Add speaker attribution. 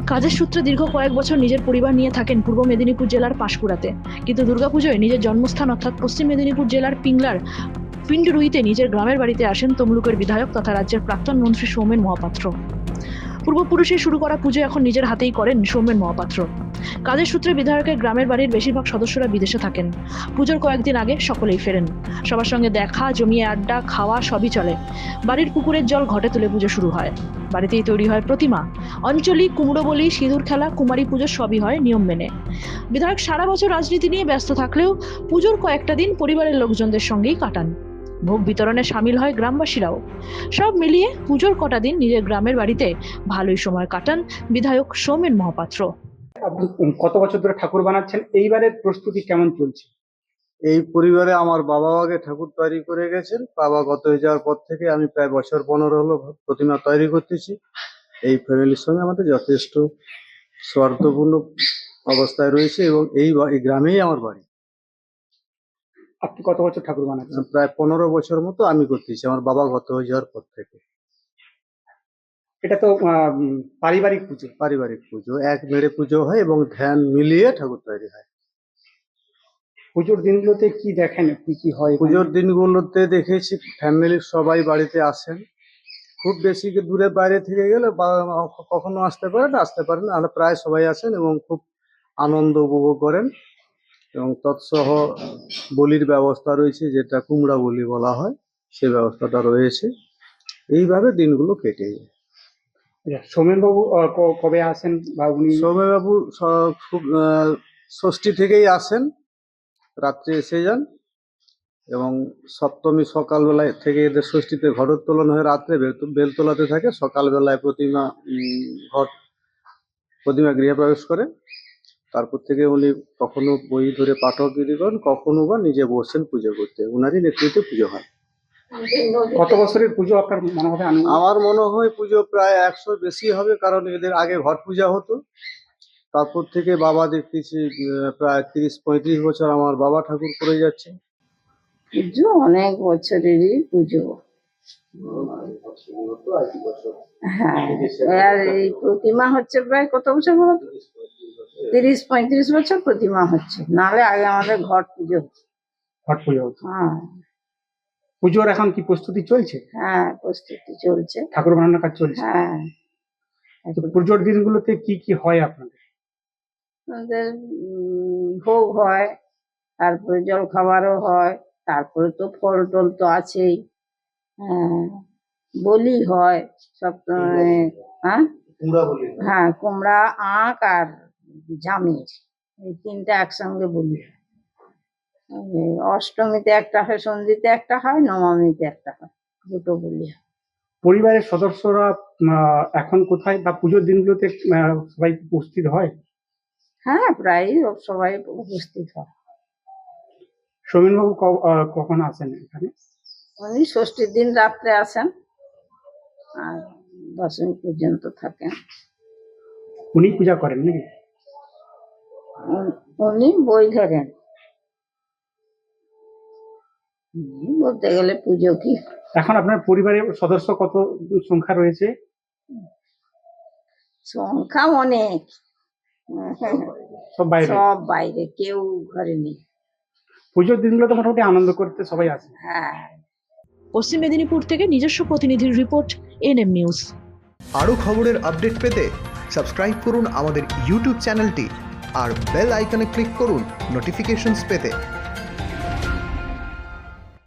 Speaker 1: কাজের সূত্রে দীর্ঘ কয়েক বছর নিজের পরিবার নিয়ে থাকেন পূর্ব মেদিনীপুর জেলার পাঁশকুড়াতে, কিন্তু দুর্গাপুজোয় নিজের জন্মস্থান অর্থাৎ পশ্চিম মেদিনীপুর জেলার পিংলার পিণ্ডরুইতে নিজের গ্রামের বাড়িতে আসেন তমলুকের বিধায়ক তথা রাজ্যের প্রাক্তন মন্ত্রী সৌমেন মহাপাত্র। পূর্বপুরুষে শুরু করা পুজো এখন নিজের হাতেই করেন সৌমেন মহাপাত্র। কাজের সূত্রে বিধায়কের গ্রামের বাড়ির বেশিরভাগ সদস্যরা বিদেশে থাকেন। পুজোর কয়েকদিন আগে সকলেই ফেরেন। সবার সঙ্গে দেখা, জমিয়ে আড্ডা, খাওয়া সবই চলে। বাড়ির পুকুরের জল ঘটে তুলে পুজো শুরু হয়। বাড়িতেই তৈরি হয় প্রতিমা, অঞ্চলি, কুমড়ো বলি, সিঁদুর খেলা, কুমারী পুজো সবই হয় নিয়ম মেনে। বিধায়ক সারা বছর রাজনীতি নিয়ে ব্যস্ত থাকলেও পুজোর কয়েকটা দিন পরিবারের লোকজনদের সঙ্গেই কাটান। ভোগ বিতরণে সামিল হয় গ্রামবাসীরাও। সব মিলিয়ে পুজোর কটা দিন নিজের গ্রামের বাড়িতে ভালোই সময় কাটান বিধায়ক সৌমেন মহাপাত্র।
Speaker 2: আপনি কত বছর ধরে ঠাকুর বানাচ্ছেন? এইবারের প্রস্তুতি কেমন চলছে?
Speaker 3: এই পরিবারে আমার বাবা আগে ঠাকুর তৈরি করে গেছেন। বাবা গত হয়ে যাওয়ার পর থেকে আমি প্রায় বছর 15 হলো প্রতিমা তৈরি করতেছি। এই ফ্যামিলির সঙ্গে আমাদের যথেষ্ট স্বার্থপূর্ণ অবস্থায় রয়েছে এবং এই গ্রামেই আমার বাড়ি।
Speaker 2: আপনি কত বছর ঠাকুর বানাচ্ছেন?
Speaker 3: প্রায় 15 বছর মতো আমি করতেছি, আমার বাবা গত হয়ে যাওয়ার পর থেকে।
Speaker 2: এটা তো পারিবারিক পুজো।
Speaker 3: পারিবারিক পুজো, এক মেড়ে পুজো হয় এবং ধ্যান মিলিয়ে ঠাকুর তৈরি হয়।
Speaker 2: পুজোর দিনগুলোতে কি দেখেন, কি কি হয়?
Speaker 3: পুজোর দিনগুলোতে দেখেছি ফ্যামিলির সবাই বাড়িতে আসেন। খুব বেশি দূরে বাইরে থেকে গেলে কখনো আসতে পারেন, আমরা প্রায় সবাই আসেন এবং খুব আনন্দ উপভোগ করেন। এবং তৎসহ বলির ব্যবস্থা রয়েছে, যেটা কুমড়া বলি বলা হয়, সে ব্যবস্থাটা রয়েছে। এইভাবে দিনগুলো কেটে যায়।
Speaker 2: সৌমেন বাবু কবে আসেন? বা উনি?
Speaker 3: সৌমেন বাবু খুব ষষ্ঠী থেকেই আসেন, রাত্রে এসে যান এবং সপ্তমী সকালবেলায় থেকে এদের ষষ্ঠীতে ঘটোত্তোলন হয়ে রাত্রে বেলতলাতে থাকে। সকালবেলায় প্রতিমা গৃহে প্রবেশ করে। তারপর থেকে উনি কখনো বই ধরে পাঠকগিরি করেন, কখনো বা নিজে বসছেন পুজো করতে। উনারই নেতৃত্বে পুজো হয়।
Speaker 2: কত বছরের পুজো আপনার মনে হবে?
Speaker 3: আমার মনে হয় পুজো প্রায় 100 বেশি হবে, কারণ এদের আগে ঘট পূজা হতো। তারপর থেকে বাবা দেখতেছি প্রায় 30-35 বছর আমার বাবা ঠাকুর করে যাচ্ছে।
Speaker 4: পুজো অনেক বছরেরই পুজো। হ্যাঁ, আর এই প্রতিমা হচ্ছে প্রায় কত বছর বলো? 30-35 বছর প্রতিমা হচ্ছে। নাহলে আগে আমাদের ঘট পুজো।
Speaker 2: ঘট পুজো হতো।
Speaker 4: হ্যাঁ
Speaker 2: পুজোর এখন কি প্রস্তুতি চলছে?
Speaker 4: হ্যাঁ, প্রস্তুতি চলছে।
Speaker 2: ঠাকুর বানানোর কাজ চলছে।
Speaker 4: হ্যাঁ,
Speaker 2: তো পুজোর দিনগুলোতে কি কি হয় আপনাদের?
Speaker 4: আমাদের ভোগ হয়, তারপরে জল খাবারও হয়, তারপরে তো ফল টল তো আছেই। হ্যাঁ, বলি হয় সব। হ্যাঁ হ্যাঁ, কুমড়া, আঁক আর জামির, এই তিনটা একসঙ্গে বলি হয়। অষ্টমীতে একটা হয়, সন্ধিতে একটা হয়, নবমীতে একটা হয়, দুটো বলি হয়।
Speaker 2: পরিবারের সদস্যরা এখন কোথায়, বা পুজোর দিনগুলোতে সবাই উপস্থিত হয়?
Speaker 4: হ্যাঁ, প্রায় সবাই উপস্থিত হয়।
Speaker 2: সৌমেনবাবু কখন আসেন এখানে?
Speaker 4: উনি ষষ্ঠীর দিন রাত্রে আসেন আর দশমী পর্যন্ত থাকেন।
Speaker 2: উনি পূজা করেন নাকি?
Speaker 4: উনি বই ধরেন। বলতে গেলে পুজো কি।
Speaker 2: এখন আপনার পরিবারের সদস্য কত সংখ্যা রয়েছে?
Speaker 4: সংখ্যা অনেক,
Speaker 2: সব বাইরে?
Speaker 4: সব বাইরে, কেউ ঘরে নেই।
Speaker 2: পুজোর দিনগুলো তো মোটামুটি আনন্দ করতে সবাই আসে।
Speaker 4: হ্যাঁ।
Speaker 1: পশ্চিম মেদিনীপুর থেকে নিজস্ব প্রতিনিধির রিপোর্ট, এনএম নিউজ।
Speaker 5: আরও খবরের আপডেট পেতে সাবস্ক্রাইব করুন আমাদের ইউটিউব চ্যানেলটি আর বেল আইকনে ক্লিক করুন নোটিফিকেশনস পেতে।